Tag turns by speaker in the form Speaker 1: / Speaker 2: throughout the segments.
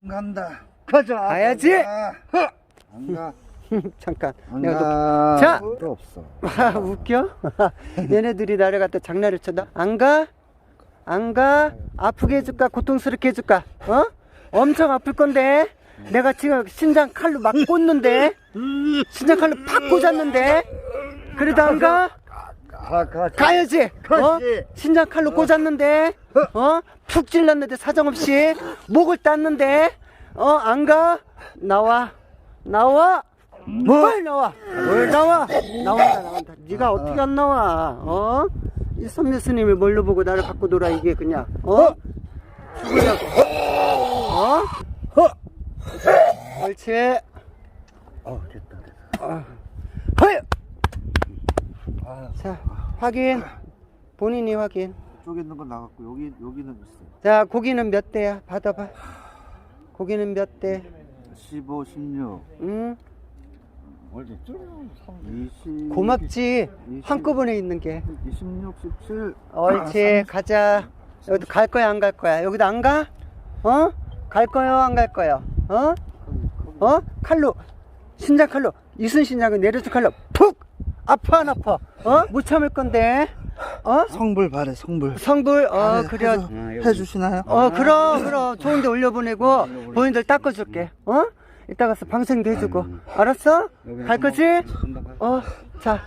Speaker 1: 간다. 가자.
Speaker 2: 가야지.
Speaker 1: 안 가.
Speaker 2: 잠깐.
Speaker 1: 안
Speaker 2: 내가
Speaker 1: 가.
Speaker 2: 자.
Speaker 1: 또 없어.
Speaker 2: 아, 웃겨? 얘네들이 나를 갖다 장난을 쳐다. 안 가? 안 가? 아프게 해줄까? 고통스럽게 해줄까? 어? 엄청 아플 건데. 내가 지금 신장 칼로 막 꽂는데. 신장 칼로 팍 꽂았는데. 그래도 안 가? 가야지. 어?
Speaker 1: 가지.
Speaker 2: 신장 칼로 꽂았는데. 어? 푹 찔렀는데 사정없이 목을 땄는데. 안 가? 나와. 나와. 뭘 나와? 뭘 나와? 나온다. 네가 어떻게 안 나와? 이 선배 스님이 뭘로 보고 나를 갖고 놀아 이게 그냥. 죽으려고. 옳지.
Speaker 1: 됐다.
Speaker 2: 허이. 자, 확인. 본인이 확인.
Speaker 1: 이쪽에 있는 건 나갔고 여기는 있어.
Speaker 2: 자, 고기는 몇 대야? 받아봐. 고기는 몇 대?
Speaker 1: 15, 16.
Speaker 2: 응?
Speaker 1: 어디 20.
Speaker 2: 고맙지.
Speaker 1: 20,
Speaker 2: 한꺼번에 있는 게.
Speaker 1: 26, 17.
Speaker 2: 옳지. 가자. 여기도 갈 거야, 안 갈 거야? 여기도 안 가? 갈 거요, 안 갈 거요? 칼로, 신장 칼로, 이순신장을 내려줄 칼로 푹! 아파, 안 아파? 못 참을 건데.
Speaker 1: 성불 바래, 성불.
Speaker 2: 성불, 그래.
Speaker 1: 해주시나요?
Speaker 2: 그럼. 좋은데 올려보내고, 본인들 닦아줄게. 이따 가서 방생도 해주고. 알았어? 갈 거지? 자.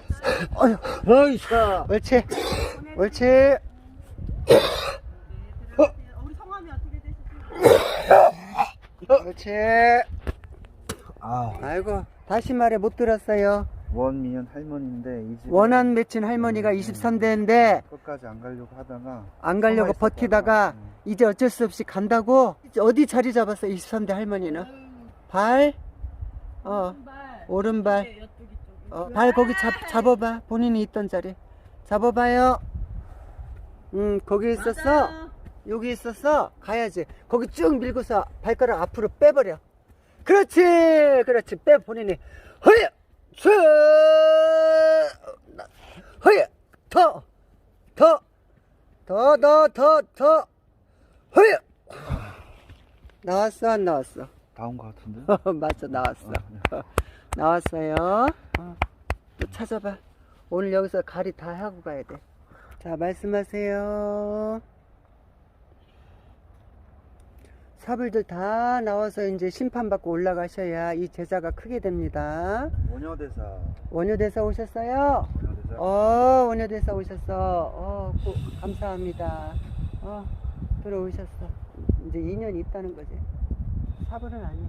Speaker 2: 옳지. 옳지.
Speaker 3: 우리 성함이 어떻게 되시죠?
Speaker 2: 옳지.
Speaker 1: 아,
Speaker 2: 아이고, 다시 말해 못 들었어요.
Speaker 1: 원미연 할머니인데 이 집
Speaker 2: 원한 맺힌 할머니가 23대인데,
Speaker 1: 끝까지 안 가려고 하다가
Speaker 2: 안 가려고
Speaker 1: 숨어
Speaker 2: 버티다가,
Speaker 1: 있었다가,
Speaker 2: 이제 어쩔 수 없이 간다고? 어디 자리 잡았어, 23대 할머니는? 발? 오른발.
Speaker 3: 여뚜기 쪽이.
Speaker 2: 발 거기 잡아봐. 본인이 있던 자리. 잡아봐요. 거기 있었어. 여기 있었어. 가야지. 거기 쭉 밀고서 발가락 앞으로 빼버려. 그렇지. 빼 본인이. 허이! ဆွ! 허이! 더! 허이! 나왔어, 안 나왔어?
Speaker 1: 나온 것 같은데?
Speaker 2: 맞아, 나왔어. 나왔어요. 또 찾아봐. 오늘 여기서 가리 다 하고 가야 돼. 자, 말씀하세요. 사불들 다 나와서 이제 심판받고 올라가셔야 이 제자가 크게 됩니다.
Speaker 1: 원효대사.
Speaker 2: 원효대사 오셨어요?
Speaker 1: 원효대사.
Speaker 2: 원효대사 오셨어. 감사합니다. 들어오셨어. 이제 2년 있다는 거지. 사불은 아니야.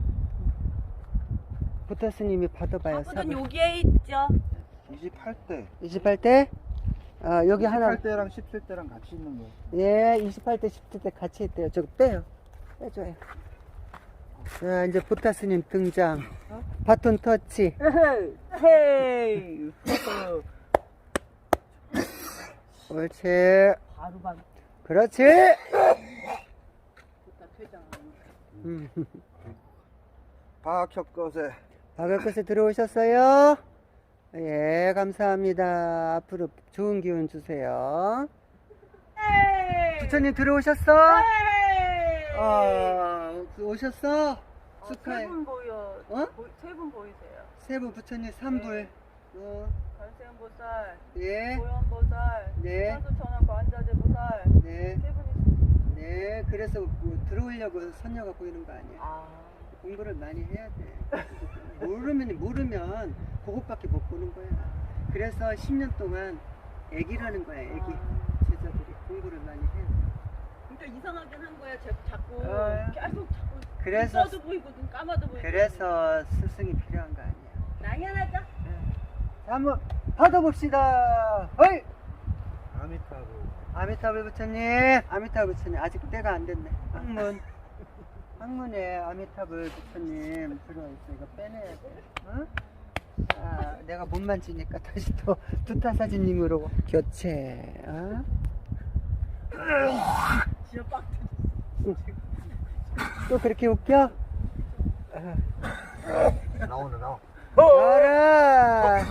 Speaker 2: 부타 스님이 받아봐요.
Speaker 3: 사부는 여기에 있죠.
Speaker 1: 28대.
Speaker 2: 28대? 여기 하나.
Speaker 1: 28대랑 17대랑 같이 있는 거.
Speaker 2: 예, 28대, 17대 같이 있대요. 저거 빼요. 빼줘요. 자, 이제 부타 스님 등장. 바톤 터치.
Speaker 3: 헤이.
Speaker 2: 옳지.
Speaker 3: 바로.
Speaker 2: 그렇지.
Speaker 1: 박혁것에.
Speaker 2: 박을 것에 들어오셨어요? 예, 감사합니다. 앞으로 좋은 기운 주세요. 부처님 들어오셨어? 오셨어? 축하해.
Speaker 3: 세분 보여. 세 분 보이세요.
Speaker 2: 세부 부처님 3불.
Speaker 3: 관세음보살,
Speaker 2: 예,
Speaker 3: 고현보살,
Speaker 2: 네.
Speaker 3: 사두천왕 관자재보살.
Speaker 2: 네,
Speaker 3: 세 분이.
Speaker 2: 네. 그래서 뭐 들어오려고 선녀가 보이는 거 아니야? 공부를 많이 해야 돼. 모르면 그것밖에 못 보는 거야. 그래서 10년 동안 애기라는 거야, 애기. 제자들이 공부를 많이 해야 돼.
Speaker 3: 그러니까 이상하긴 한 거야. 자꾸 계속
Speaker 2: 그래서
Speaker 3: 떠도 보이고 눈 감아도 보이고.
Speaker 2: 그래서 스승이 필요한 거 아니야.
Speaker 3: 당연하죠.
Speaker 2: 자, 한번 받아봅시다. 허이!
Speaker 1: 아미타불.
Speaker 2: 아미타불 부처님, 아미타불 부처님 아직 때가 안 됐네. 항문에 아미타불 부처님 들어있어. 이거 빼내야 돼. 자, 내가 못 만지니까 다시 또 두타 사진님으로 교체.
Speaker 3: 진짜 빡.
Speaker 2: 또 그렇게 웃겨?
Speaker 1: 나와.
Speaker 2: 알아.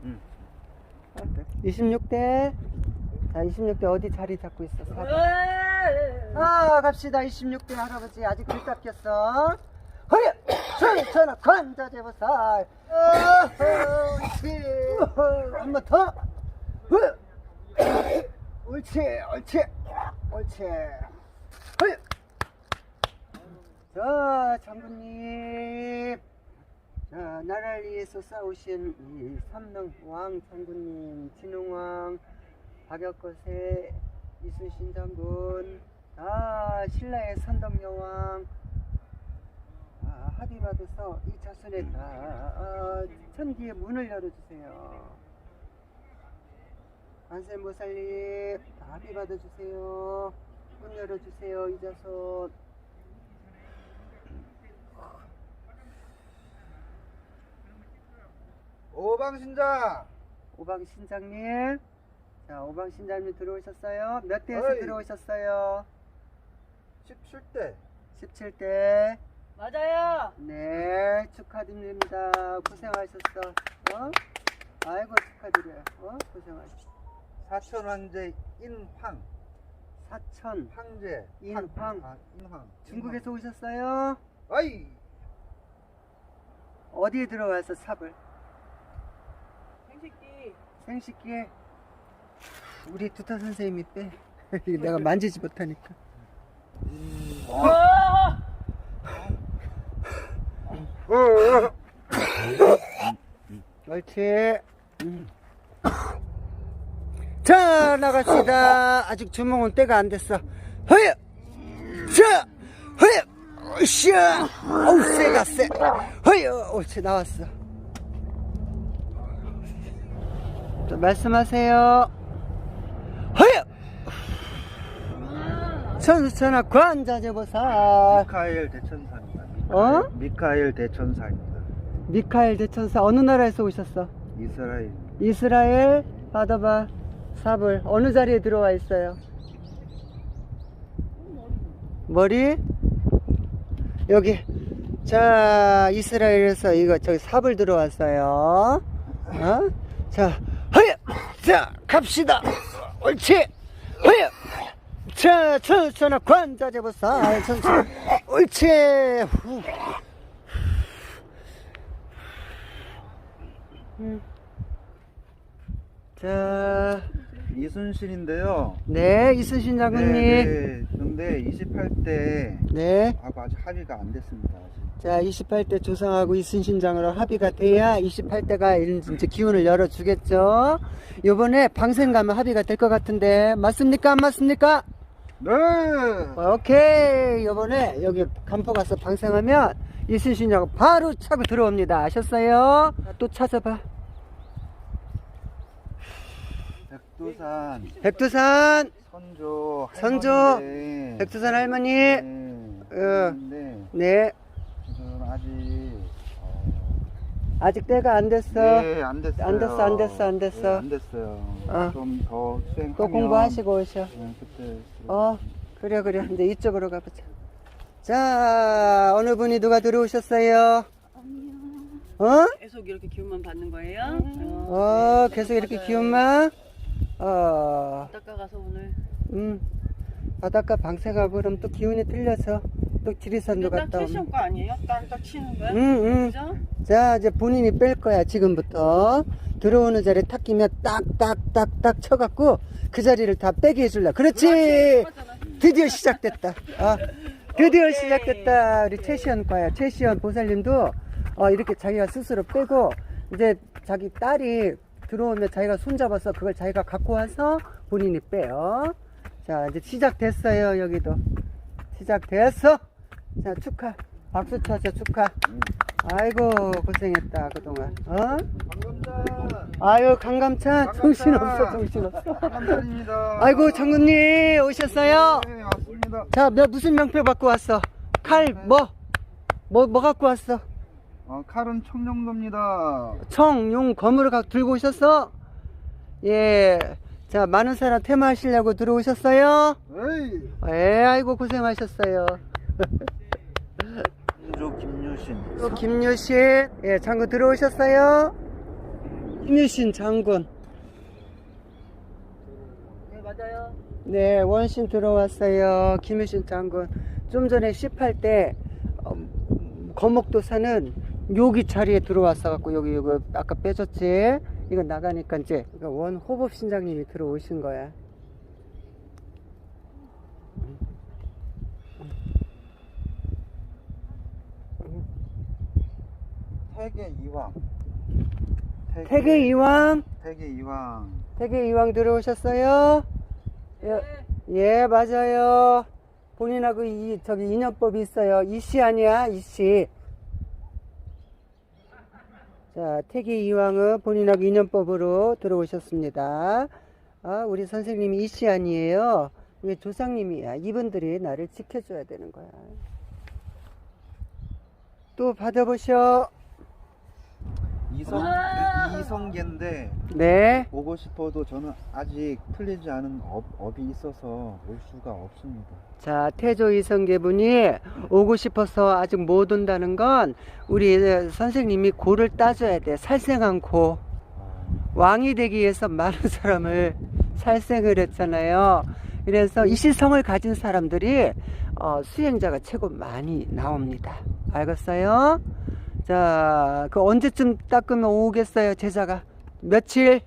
Speaker 2: 26대. 자, 26대 어디 자리 잡고 있어? 4번. 아, 갑시다. 26대 할아버지 아직 글 닦였어. 허여! 전하 관자재보살. 옳지. 한 번 더. 허여! 옳지, 옳지, 옳지. 허여! 자, 장군님. 자, 나라를 위해서 싸우신 이 삼릉왕 장군님, 진흥왕, 박역거세, 이순신 장군, 신라의 선덕여왕, 합의 받아서 이 자손의 천기의 문을 열어주세요. 관세모살님, 합의 받아주세요. 문 열어주세요, 이 자손.
Speaker 1: 오방신장.
Speaker 2: 오방신장님. 자, 오방신장님 들어오셨어요? 몇 대에서
Speaker 1: 어이.
Speaker 2: 들어오셨어요?
Speaker 1: 17대.
Speaker 2: 17대.
Speaker 3: 맞아요.
Speaker 2: 네, 축하드립니다. 고생하셨어. 아이고, 축하드려요. 고생하셨어.
Speaker 1: 사천 황제 인황.
Speaker 2: 사천,
Speaker 1: 황제.
Speaker 2: 인황.
Speaker 1: 인황.
Speaker 2: 중국에서 오셨어요?
Speaker 1: 아이.
Speaker 2: 어디에 들어와서 삽을?
Speaker 3: 생식기.
Speaker 2: 생식기에. 우리 두타 선생님이 빼. 내가 만지지 못하니까. 옳지. 자, 나갑시다. 아직 주몽은 때가 안 됐어. 허여! 자! 허여! 으쌰! 어우, 세다, 세. 허여! 옳지, 나왔어. 자, 말씀하세요. 허여! 천수천하 관자재보살.
Speaker 1: 미카엘 대천사입니다. 미카엘 대천사입니다.
Speaker 2: 미카엘 대천사. 어느 나라에서 오셨어?
Speaker 1: 이스라엘.
Speaker 2: 이스라엘. 받아봐. 삽을. 어느 자리에 들어와 있어요? 머리? 여기. 자, 이스라엘에서 저기 삽을 들어왔어요. 자, 허여! 자, 갑시다. 옳지. 허여! 자, 천천하 관자재보살. 옳지. 후. 자,
Speaker 1: 이순신인데요.
Speaker 2: 네, 이순신 장군님.
Speaker 1: 네. 근데 28대
Speaker 2: 네.
Speaker 1: 하고 아직 합의가 안 됐습니다. 아직.
Speaker 2: 자, 28대 조상하고 이순신장으로 합의가 돼야 28대가 이제 기운을 열어주겠죠. 요번에 방생 가면 합의가 될 것 같은데, 맞습니까? 안 맞습니까?
Speaker 1: 네.
Speaker 2: 오케이. 요번에 여기 간포 가서 방생하면 이순신장 바로 차고 들어옵니다. 아셨어요? 또 찾아봐.
Speaker 1: 백두산
Speaker 2: 백두산.
Speaker 1: 선조 할머니인데,
Speaker 2: 백두산 할머니.
Speaker 1: 네.
Speaker 2: 네.
Speaker 1: 근데
Speaker 2: 네.
Speaker 1: 지금 아직
Speaker 2: 아직 때가 안 됐어.
Speaker 1: 네, 안 됐어요.
Speaker 2: 안 됐어.
Speaker 1: 네, 안 됐어요. 좀 더 수행하면
Speaker 2: 또 공부하시고 오셔.
Speaker 1: 네, 그때
Speaker 2: 그래. 이제 이쪽으로 가보자. 자, 어느 분이 누가 들어오셨어요?
Speaker 3: 계속 이렇게 기운만 받는 거예요?
Speaker 2: 계속 이렇게 기운만?
Speaker 3: 바닷가 가서 오늘.
Speaker 2: 바닷가 방생하고 그럼 또 기운이 틀려서 또 지리산도
Speaker 3: 딱
Speaker 2: 갔다 오면.
Speaker 3: 캐시온 거 아니에요? 딱 치는 거야? 그죠?
Speaker 2: 자, 이제 본인이 뺄 거야, 지금부터. 들어오는 자리에 탁 끼면 딱딱딱딱 쳐갖고 그 자리를 다 빼게 해줄라. 그렇지! 드디어 시작됐다. 드디어 시작됐다. 우리 최시연 과야. 최시연 보살님도 이렇게 자기가 스스로 빼고, 이제 자기 딸이 들어오면 자기가 손잡아서 그걸 자기가 갖고 와서 본인이 빼요. 자, 이제 시작됐어요. 여기도 시작됐어. 자, 축하. 박수 쳐줘. 축하. 아이고, 고생했다 그동안.
Speaker 1: 강감찬.
Speaker 2: 아유, 강감찬. 정신없어.
Speaker 1: 강감찬입니다.
Speaker 2: 아이고, 장군님 오셨어요?
Speaker 1: 네, 왔습니다.
Speaker 2: 자, 무슨 명패 갖고 왔어? 칼 뭐 갖고 왔어?
Speaker 1: 칼은 청룡도입니다.
Speaker 2: 용 검을 들고 오셨어? 예. 자, 많은 사람 테마하시려고 들어오셨어요?
Speaker 1: 에이.
Speaker 2: 아이고, 고생하셨어요.
Speaker 1: 김유신.
Speaker 2: 김유신. 예, 장군 들어오셨어요? 김유신 장군.
Speaker 3: 네, 맞아요.
Speaker 2: 네, 원신 들어왔어요. 김유신 장군. 좀 전에 18대 거목도사는 여기 자리에 들어왔어 갖고 여기 아까 빼줬지. 이거 나가니까 이제 원 호법 신장님이 들어오신 거야.
Speaker 1: 태계 이왕.
Speaker 2: 태계 이왕.
Speaker 1: 태계 이왕.
Speaker 2: 태계 이왕 들어오셨어요?
Speaker 3: 네.
Speaker 2: 예, 맞아요. 본인하고 저기 인연법이 있어요. 이씨 아니야, 이씨. 자, 태계 이왕은 본인하고 인연법으로 들어오셨습니다. 아, 우리 선생님이 이씨 아니에요. 우리 조상님이야. 이분들이 나를 지켜줘야 되는 거야. 또 받아보셔.
Speaker 1: 이성계인데
Speaker 2: 네.
Speaker 1: 오고 싶어도 저는 아직 풀리지 않은 업이 있어서 올 수가 없습니다.
Speaker 2: 자, 태조 이성계분이 오고 싶어서 아직 못 온다는 건 우리 선생님이 고를 따줘야 돼. 살생한 고. 왕이 되기 위해서 많은 사람을 살생을 했잖아요. 그래서 이시성을 가진 사람들이 수행자가 최고 많이 나옵니다. 알겠어요? 자, 그 언제쯤 닦으면 오겠어요, 제자가? 며칠?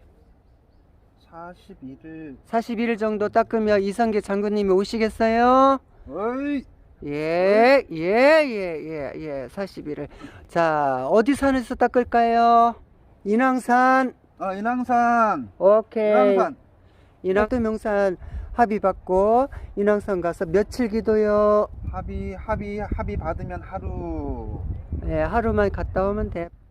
Speaker 1: 41일.
Speaker 2: 41일 정도 닦으면 이성계 장군님이 오시겠어요?
Speaker 1: 어이.
Speaker 2: 예, 41일. 자, 어디 산에서 닦을까요? 인왕산.
Speaker 1: 인왕산.
Speaker 2: 오케이.
Speaker 1: 인왕산.
Speaker 2: 인왕도 명산 합의 받고, 인왕산 가서 며칠 기도요?
Speaker 1: 합의 받으면 하루.
Speaker 2: 예, 하루만 갔다 오면 돼.